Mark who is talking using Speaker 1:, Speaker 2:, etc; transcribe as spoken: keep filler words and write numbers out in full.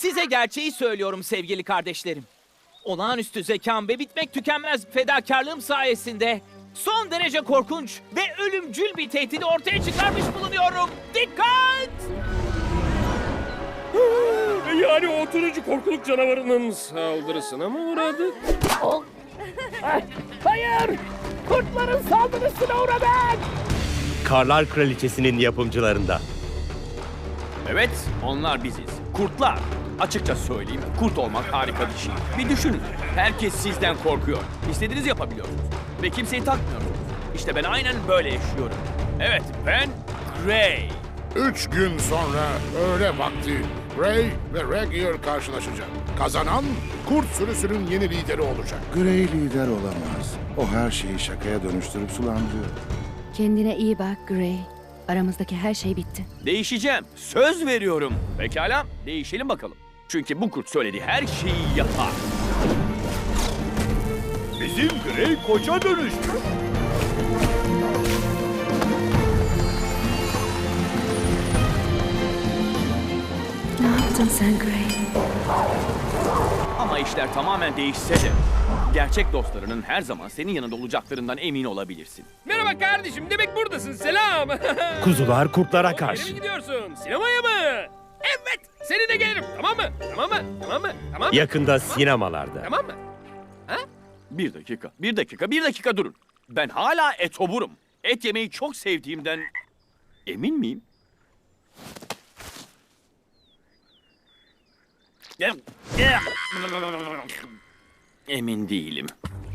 Speaker 1: Size gerçeği söylüyorum sevgili kardeşlerim. Olağanüstü zekam ve bitmek tükenmez fedakarlığım sayesinde son derece korkunç ve ölümcül bir tehdidi ortaya çıkarmış bulunuyorum. Dikkat!
Speaker 2: Yani o turuncu korkuluk canavarının saldırısına mı uğradık?
Speaker 1: Hayır! Kurtların saldırısına uğradık!
Speaker 3: Karlar Kraliçesi'nin yapımcılarında.
Speaker 4: Evet, onlar biziz. Kurtlar. Açıkça söyleyeyim, kurt olmak harika bir şey. Bir düşünün, herkes sizden korkuyor. İstediğinizi yapabiliyorsunuz. Ve kimseyi takmıyorsunuz. İşte ben aynen böyle yaşıyorum. Evet, ben Gray.
Speaker 5: Üç gün sonra öğle vakti Gray ve Regier karşılaşacak. Kazanan kurt sürüsünün yeni lideri olacak.
Speaker 6: Grey lider olamaz. O her şeyi şakaya dönüştürüp sulandırıyor.
Speaker 7: Kendine iyi bak Gray. Aramızdaki her şey bitti.
Speaker 4: Değişeceğim, söz veriyorum. Pekala, değişelim bakalım. Çünkü bu kurt söylediği her şeyi yapar.
Speaker 3: Bizim Grey koça dönüştü.
Speaker 7: Ne yaptın sen Gray?
Speaker 4: Ama işler tamamen değişse de gerçek dostlarının her zaman senin yanında olacaklarından emin olabilirsin.
Speaker 2: Merhaba kardeşim, demek buradasın. Selam.
Speaker 3: Kuzular kurtlara
Speaker 2: Nereye mi
Speaker 3: karşı.
Speaker 2: gidiyorsun? Sinemaya mı? Evet, seni de gelirim. Tamam mı? Tamam mı? Tamam mı? Tamam mı?
Speaker 3: Yakında sinemalarda.
Speaker 2: Tamam mı?
Speaker 4: Bir dakika, bir dakika, bir dakika durun. Ben hala etoburum. Et yemeyi çok sevdiğimden emin miyim? Emin değilim.